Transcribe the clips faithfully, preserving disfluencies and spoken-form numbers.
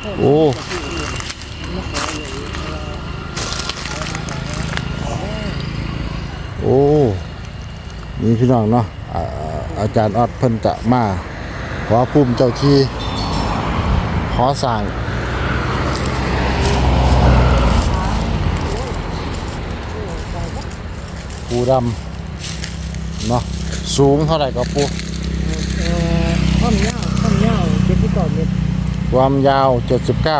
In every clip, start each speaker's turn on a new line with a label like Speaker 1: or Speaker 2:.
Speaker 1: โอ้โอ้นี่พี่น้องเนาะอาจารย์ออดเพิ่นจะมาขอภูมิเจ้าที่ขอสั่งปูดำเนาะสูงเท่าไหร่ก็ปู
Speaker 2: ความยาวความยาวเจ็ดสิบเก้าเมตร
Speaker 1: ความยาวเจ็ดสิบเก้า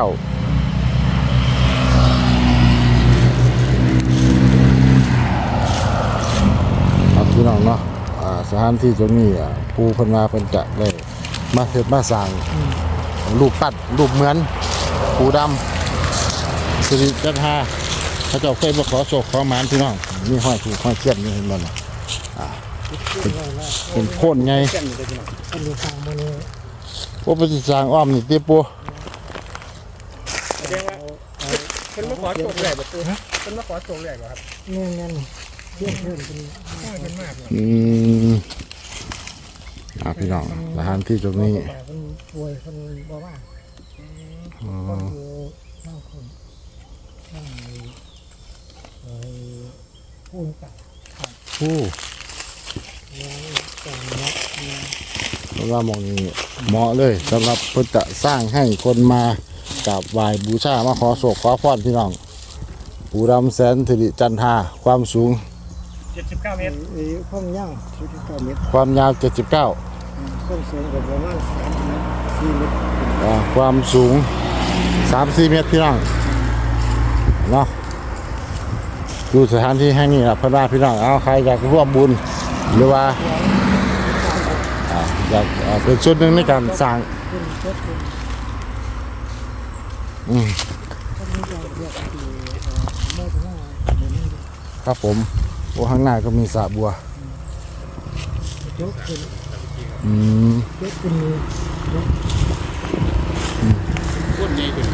Speaker 1: ครับพี่น้องเนาะสถานที่ตรงนี้ปูเพิ่นมาเพิ่นจะได้มาเฮ็ดมาสร้างรูปปั้นรูปเหมือนปูดำสิริจันทราเขาเจ้าเคยมาขอโชคขอหมานพี่น้องมีห้อยถูกห้อยเทียนนี่เห็นบ่ล่ะอ่าเป็นเป็นโคนไง
Speaker 2: อันนี้ทางมันนี่
Speaker 1: โอ้เป็นสร้างอ้อมนี่ติปู
Speaker 3: แสดงว่าเพิ่นมาขอโชคแรกบ่ปูฮะเพิ่นมาขอโชคแรกบ่ครับ
Speaker 2: แม่นแม่นเทียนเพิ่นเป็น
Speaker 3: น้อยเพิ่นมาก
Speaker 1: อืมอ่าพี่น้องสถานที่ตรงนี้
Speaker 2: เพิ่นป่วยเพิ่นบ่ว่า
Speaker 1: อ๋อ
Speaker 2: คนอยู่นั่งคนนั่งไอ้พูนกับ
Speaker 1: โอ้
Speaker 2: แล้วแต่เนาะ
Speaker 1: เพราะว่ามองนี้เหมาะเลยสำหรับเพื่อจะสร้างให้คนมากราบไหว้บูชามาขอโศกขอพรพี่น้องปูดำแสนสิริจันทราความสูง
Speaker 3: เจ็ดสิบเก้าเมตร
Speaker 2: ความยาวเจ็ดสิบเก้าเมตร
Speaker 1: ความยาวเจ็ดสิบเก้า
Speaker 2: ความสูงประมาณสามเมตรสี่เมตร
Speaker 1: ความสูงสามสี่เมตรพี่น้องเนาะดูสถานที่แห่งนี้นะเพื่อนว่าพี่น้องเอาใครอยากร่วมบุญหรือว่าอยากเป็นส่วนหนึ่งในการสร้างอืมครับผมโอ้ข้างหน้าก็มีสระบัวอืม
Speaker 3: คนใหญ่ขึ้น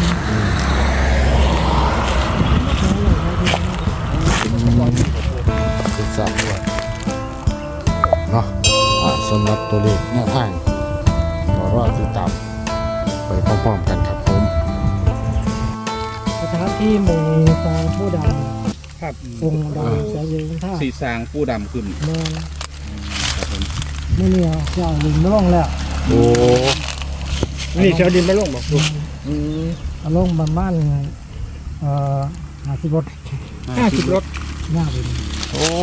Speaker 1: เป็นสระบัวเนาะสำหรับตัวเลขแนวทางก็รอติดตามไปพร้อมๆกันครับผม
Speaker 2: สถานที่หมู่สางผู้ดำ
Speaker 3: ครับ
Speaker 2: องค์ดำแสนยืนท่า
Speaker 3: สีสางผู้ดำขึ้น
Speaker 2: แม่ครับผมไม่เนี่ยเจ้าดินไม่ลงแล้ว
Speaker 1: โอ้
Speaker 3: นี่เจ้าดินไม่ลงบอกคุณ
Speaker 2: อืมเอาลงประมาณเอ่อห้าสิบรถ
Speaker 3: ห้าสิบรถ
Speaker 2: หน้าเป็น
Speaker 1: โอ้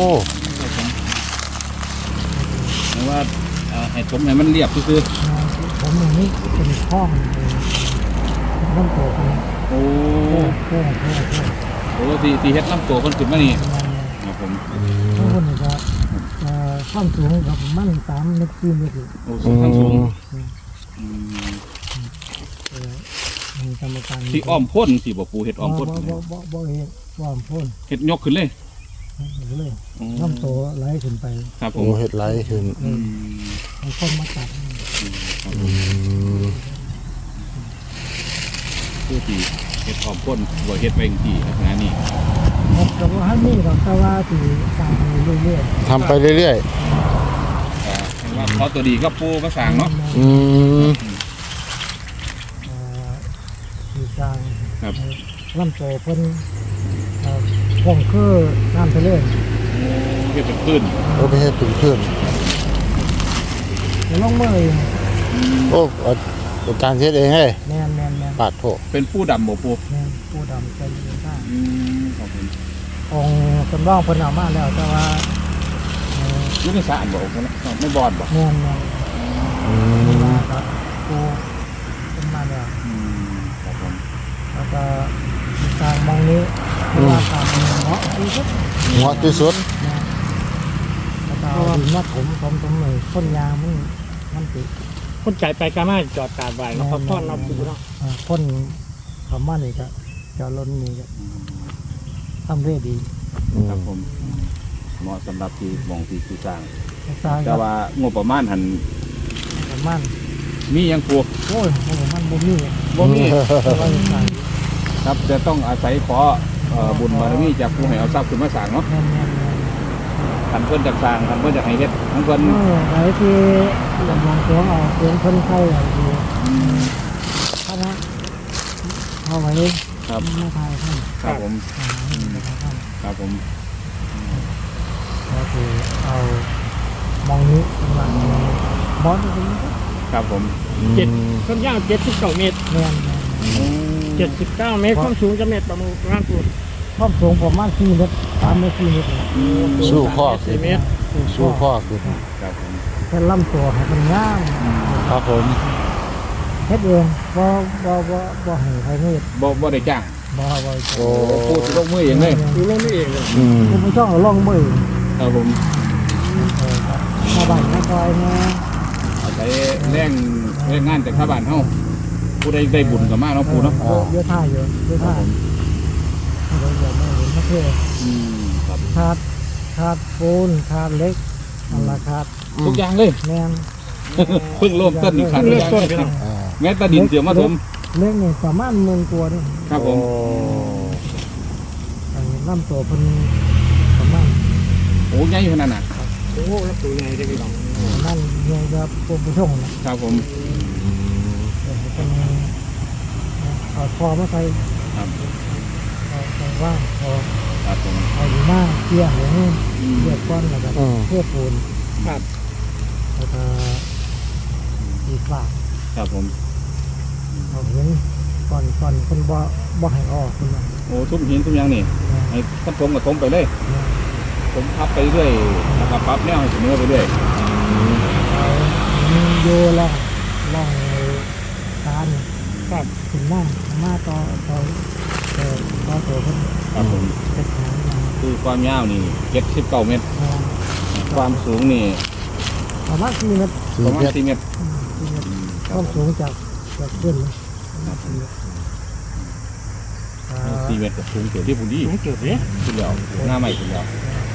Speaker 3: หมายว่าให้ผมให้มันเรียบคือ
Speaker 2: ผมอย่างนี้เป็นห้องน้ำโตกัน
Speaker 3: โอ้
Speaker 2: โอ้โอ้โอ้
Speaker 3: โอ้สีสีเฮ็ดน้ำโตคนขึ้นมานี่ครับผม
Speaker 2: ทุกคนจะความสูงกับมันสามเมตรสี่เมตร
Speaker 3: โอ้สูงสูง
Speaker 2: กรรมการ
Speaker 3: ที่อ้อมพ่นสีบ่ปูเฮ็ดอ้อมพ่น
Speaker 2: บ่บ่บ่บ่เฮ็ดอ้อมพ่น
Speaker 3: เฮ็ดยกขึ้นเลย
Speaker 2: เลยน้ำโตไหลขึ้นไป
Speaker 3: ครับผ
Speaker 1: มเฮ็ดไหลขึ้น
Speaker 2: ให้คนมาตัด
Speaker 3: ผู้ที่เฮ็ดอ้อมพ่นบ่เฮ็ดไปจังซี่ลักษณะนี้
Speaker 2: แต่ว่าฮันนี่เราแต่ว่าที่สร้างเรื่อย
Speaker 1: ๆทำไปเรื่อย
Speaker 3: ๆว่าเขาตัวดีก็ปูมาสร้างเนาะ
Speaker 1: อืม
Speaker 2: ที่สร้าง
Speaker 3: ครับ
Speaker 2: ลำโตเพิ่นคงคือน้ำทะเล
Speaker 3: เฮ็ดเป็นพื้น
Speaker 1: โอ้ไปเฮ็ดเป็นพื้น
Speaker 2: ลงมือเอง
Speaker 1: โอ้อาจารย์เฮ็ดเองเฮ้ย
Speaker 2: แม่นแม่นแม่น
Speaker 1: ปาดโถ
Speaker 3: เป็นผู้ดำบ่ปู
Speaker 2: แม่นผู้ดำใจเย็นได้
Speaker 3: อืมครับผม
Speaker 2: องค์จำลองเพิ่นเอามาแล้วแต่ว่า
Speaker 3: ลูกสะอาดบ่ไม่บอดบ่
Speaker 2: แม่นแม่นอืมครับปูเป็นมาแล้ว
Speaker 3: อืมครับผม
Speaker 2: แล้วก็ทางมองนี้เพราะว่าทางเหมาะที่สุด
Speaker 1: เหมาะที่สุด
Speaker 2: แล้วก็ดินมาถมถมถมเลยต้นยางมันมันติด
Speaker 3: คนใจไปกามาจอดการไว้เนาะพ่อเราปูเนาะ
Speaker 2: พ่นคำว่านี่ก็จะล้นนี่ก็ทำเรื่อยดี
Speaker 3: ครับผมเหมาะสำหรับที่มองที่ที่สร้างแต่ว่างบประมาณหัน
Speaker 2: ประมาณ
Speaker 3: มียังปู
Speaker 2: โอ้ยงบประมาณบ่มี
Speaker 3: บ่มีครับจะต้องอาศัยขอบุญบารมีจากผู้ให้เอาทรัพย์ขึ้นมาสร้างเนาะขันเพิ่นจากสร้างขันเพิ่นจากให้เฮ็ดทั้งเพิ่น
Speaker 2: ไหนที่หลวงหลวงเสียงเอาเสียงเพิ่นเข้าอย่างดีคณะเอาไว้
Speaker 3: ครับ
Speaker 2: ไม่ทายท่าน
Speaker 3: ครับผม
Speaker 2: หาให้ไม่ทายท่าน
Speaker 3: ครับผม
Speaker 2: ก็คือเอามองนี้เป็นหลังบอสตรงนี้
Speaker 3: ครับผม
Speaker 4: เจ็ดความยาวเจ็ดสิบเก้าเมตร
Speaker 2: แม่น
Speaker 4: เจ็ดสิบเก้าเมตรความสูงจะเมตรประมาณปูน
Speaker 2: ความสูงประมาณสี่เมตรสามเมตรสี่เมตร
Speaker 1: สู้ข้อ
Speaker 4: สี่เมตร
Speaker 1: สู้ข้อขึ้น
Speaker 3: ครับผม
Speaker 2: แค่ลำตัวให้มันงาม
Speaker 1: ครับผม
Speaker 2: เฮ็ดเองบ่บ่บ่บ่ให้ใครเฮ็ด
Speaker 3: บ่บ่ได้จ้าง
Speaker 2: บ่บ่
Speaker 1: โอ้
Speaker 3: พูดลงมือเองเลย
Speaker 4: ดูลงนี่เองเลย
Speaker 1: อืม
Speaker 2: ผมบ่ต้องเอาลองมือ
Speaker 3: ครับผม
Speaker 2: เออชาวบ้านชาวซอยเนี่ย
Speaker 3: อาศัยแรงแรงงานจากชาวบ้านเฮาผู้ใดได้บุญกับมาเนาะปู่เนาะ
Speaker 2: เยอะเยอะท่าเยอะเยอะ
Speaker 3: ครั
Speaker 2: ท่า
Speaker 3: บผม
Speaker 2: เดี๋ยวเดี๋ยวไม่เห็นไม่เท่
Speaker 3: อืมครับ
Speaker 2: ขาดขาดปูนขาดเหล็กอันละขาด
Speaker 3: ทุกอย่างเลย
Speaker 2: แม่น
Speaker 3: เพิ่งเริ่มต้นอีกครั้ง
Speaker 4: เลือกต้นพี่น้อง
Speaker 1: อ่า
Speaker 3: แม้แต่ดินเสียมาถม
Speaker 2: เหล็กนี่ประมาณหมื่นกว่านี่
Speaker 3: ครับผม
Speaker 1: โอ้
Speaker 2: ไอ้ลำตัวเพิ่นประมาณ
Speaker 3: โอ้ใหญ่ขนาดน่ะ
Speaker 4: โอ้โหแล้วปูยังไงได้พี่น้อง
Speaker 2: ประมาณเงี้ยจะปูผู้ชงนะครับ
Speaker 3: ผม
Speaker 1: อืม
Speaker 2: เดี๋ยวให้เป็นเอาคอมาใส่
Speaker 3: ครับ
Speaker 2: เอาใส่ว่างพอ
Speaker 3: ครับผม
Speaker 2: เอาอยู่หน้าเกี่ยหัวนี่
Speaker 3: อืม
Speaker 2: เกี่ยก้อนแล้วก็
Speaker 1: อืม
Speaker 2: เทปูน
Speaker 4: ครับ
Speaker 2: แล้วก็อีกฝาก
Speaker 3: ครับผม
Speaker 2: เอาเห็นก่อนก่อนคนบ่บ่ให้ออกคนว่า
Speaker 3: โอ้ทุกหินทุกอย่างนี่ให้ท่านผมกับผมไปเลย
Speaker 2: เนี่ย
Speaker 3: ผมพับไปเรื่อยแล้วก็ปรับแนวให้เสมอไปเรื่อย
Speaker 2: เอามีโยล่องล่องการ
Speaker 4: ครับ
Speaker 2: ขึ้นหน้ามาต่อต่อเอ่อต่อตัวเพิ่น
Speaker 3: ครับผม
Speaker 2: เจ็ดหางมา
Speaker 3: คือความยาวนี่เจ็ดสิบเก้าเมตร
Speaker 2: อ่า
Speaker 3: ความสูงนี่
Speaker 2: ประมาณสี่เมตร
Speaker 1: สี่
Speaker 3: ประมา
Speaker 1: เม
Speaker 3: ณ
Speaker 1: ตร
Speaker 3: สี่เมตร
Speaker 2: อืมสี่เมตร
Speaker 3: อืมค
Speaker 2: ครับ วาม
Speaker 3: ผ
Speaker 2: สู
Speaker 3: ม
Speaker 2: งจากจากขึ้นเลยสี่เมตรอ่า
Speaker 3: สี่เมตรกับสูงเกิดที่พุ่นดี
Speaker 4: สูงเกิดเนี่ย
Speaker 3: ขึ้นแล้วหน้าใหม่ขึ้นแล้ว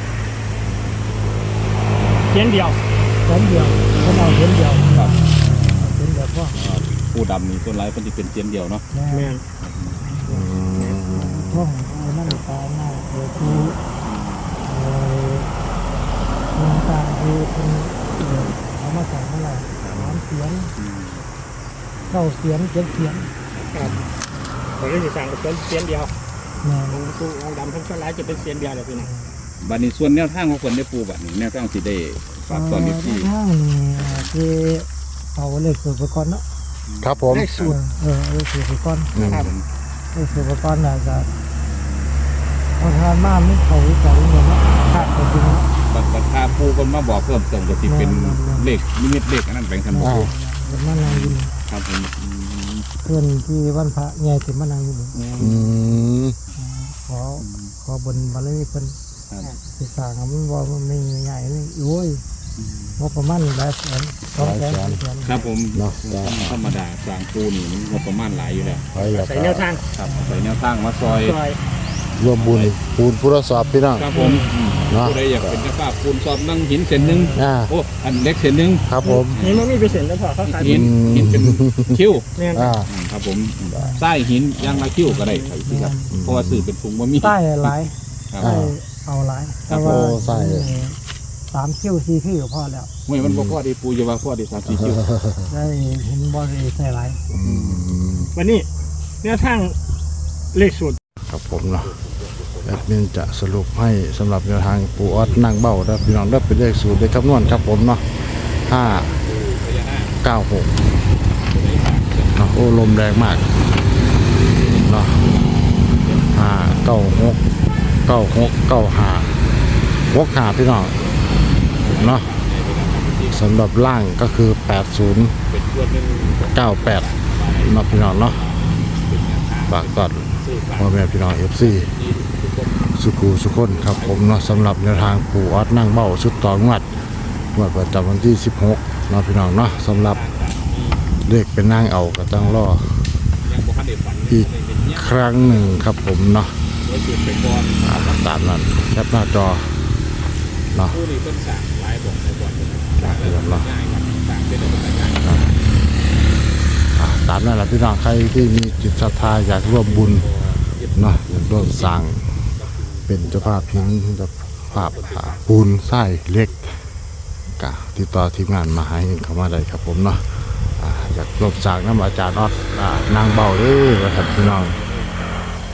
Speaker 4: เขียนเดียว
Speaker 2: เส้นเดียวเขาเอาเส้นเดียว
Speaker 3: ครับ
Speaker 2: เส้นเดียวก็
Speaker 3: อ่าผู้ดำนี่ส่วนไรเป็นที่เป็นเตียนเดียวเนาะ
Speaker 2: แม่
Speaker 4: แม่น
Speaker 1: อืม
Speaker 2: ท่องเอานั่นตาหน้าเออคือเอ่อเมืองต่างคือเป็นเอ่อเอามาจากเมื่อไหร่สามเสียง
Speaker 3: อืม
Speaker 2: เก้าเสียงเจ็ดเสียง
Speaker 4: ครับตอนนี้สิสั่งกับเป็นเขียนเดียว
Speaker 2: แม่
Speaker 4: องค์ปูองค์ดำทั้งชั้นหลายจะเป็นเขียนเดียวเลยพี่น้อง
Speaker 3: บัดนี้ส่วนแนวทางของคนได้ปูบัดนี้แนวทางสิได้ฝากตอนนี้ที่
Speaker 2: ทางนี่คือเอาเลขสูตรไปก่อนเนาะ
Speaker 1: ครับผม
Speaker 4: เลขสูตร
Speaker 2: เออเอาเลขสูตรไปก่อน
Speaker 1: อืม
Speaker 4: ครับ
Speaker 2: เลขสูตรไปก่อนน่ะก็เอาทานมาไม่เขาอีกสองเงินเนาะขาดไปจริงเนาะ
Speaker 3: บัดบัดพาปูคนมาบอกเพิ่มเติมก็สิเป็นเลขนิมิตเลขอันนั้นแบ่งกันบ่
Speaker 1: อ่า
Speaker 3: ปู
Speaker 2: เดี๋ยวมานั่งยิน
Speaker 3: ครับผมอืม
Speaker 2: เพื่อนที่วันพระใหญ่ถึงมานั่งอยู่นี่
Speaker 1: อืม
Speaker 2: ขอขอบนบารมีเพิ่น
Speaker 3: ครับ
Speaker 2: สิสร้างให้มันบ่มันไม่ใหญ่นี่โอ้ยงบประมาณหลายแสนสองแสนสี่แสน
Speaker 3: ครับผม
Speaker 1: เนาะจ้ะ
Speaker 3: ธรรมดาสร้างปูนี่มันงบประมาณหลายอยู่แล้ว
Speaker 1: ไปอยาก
Speaker 4: ใส่แนวทาง
Speaker 3: ครับใส่แนวทางมาซอย
Speaker 4: ซอย
Speaker 1: ร่วมบุญปูนผู้รักษาพี่น้อง
Speaker 3: ครับผม
Speaker 1: เนาะ
Speaker 3: ผู้ใดอยากเป็นเจ้าภาพปูนสอบนั่งหินเส้นหนึ่ง
Speaker 1: อ่า
Speaker 3: โอ้อันเล็กเส้นหนึ่ง
Speaker 1: ครับผม
Speaker 4: นี่มันมีเปอร์เซ็นต์แล้วพอเขาขาย
Speaker 3: หินหินเป็นคิ้ว
Speaker 4: แม่น
Speaker 1: อ่า
Speaker 3: อืมครับผมไส้หินยางละคิ้วก็ได้ครับพี่ครับเพราะว่าสื่อเป็นถุงบะหมี่
Speaker 2: ใต้หลาย
Speaker 3: ครับ
Speaker 2: ใต้เอาหลาย
Speaker 3: ครั
Speaker 2: แต่
Speaker 3: บ
Speaker 2: ว่า
Speaker 1: โอ้ใส่
Speaker 2: สามคิ้วสี่คิ้วพอแล้ว
Speaker 3: ไม่มันบ่พอดีปูจะว่าพอดีสามสี่คิ้ว
Speaker 2: ได้เห็นบ่ได้ใส่หลาย
Speaker 1: อืม
Speaker 4: วันนี้แนวทางเลขสูตร
Speaker 1: ครับผมเนาะแอดมินจะสรุปให้สำหรับแนวทางปูออดนั่งเบ้าแล้วพี่น้องได้เป็นเลขสูตรได้คำนวณครับผมเนาะห้าเก้าหกเนาะโอ้ลมแรงมากเนาะห้าเก้าหกเก้าหกเก้าห้าหกห้าพี่น้องเนาะสำหรับล่างก็คือแปดศูนย์
Speaker 3: เป็นส่วนหนึ่ง
Speaker 1: เก้าแปดเนาะพี่น้องเนาะฝากก่อนพ่อแม่พี่น้องเอฟซีสุขูสุขคนครับผมเนาะสำหรับแนวทางปู่ออดนั่งเบ้าชุดต่องวดงวดประจำวันที่สิบหกเนาะพี่น้องเนาะสำหรับเลขเป็นนั่งเอาก็ต้องรอ
Speaker 3: ยังบ่ทันได้ฝัน
Speaker 1: อีกครั้งหนึ่งครับผมเนาะ
Speaker 3: ไว้สูตรไปก่อน
Speaker 1: อ่าตามนั้นแคปหน้าจอเนาะ
Speaker 3: ผู้นี้เพิ่นสั่งหลายบอกไปก่อน
Speaker 1: จากเดิมเนาะ
Speaker 3: ง่ายครับสั่งเป็นอะไรง่าย
Speaker 1: อ่าตามนั้นแหละพี่น้องใครที่มีจิตศรัทธาอยากร่วมบุญเนาะอยากร่วมสร้างเป็นเจ้าภาพหินเจ้าภาพอ่าปูนทรายเหล็กกะติดต่อทีมงานมาให้เข้ามาได้ครับผมเนาะอ่าอยากร่วมสร้างน้ำอาจารย์ออดอ่านางเบาเด้อครับพี่น้อง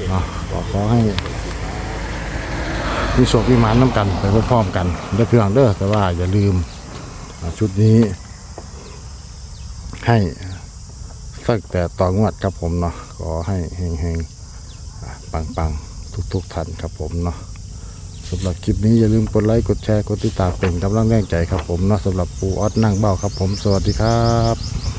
Speaker 1: เนาะก็ขอให้มีโชคมีหมานน้ำกันไปพร้อมๆกันเด้อเพื่อนเด้อแต่ว่าอย่าลืมอ่าชุดนี้ให้สักแต่ต่องวดครับผมเนาะขอให้เฮงๆอ่าปังๆทุกๆท่านครับผมเนาะสำหรับคลิปนี้อย่าลืมกดไลค์กดแชร์กดติดตามเป็นกำลังแรงใจครับผมเนาะสำหรับปูออสนั่งเบ้าครับผมสวัสดีครับ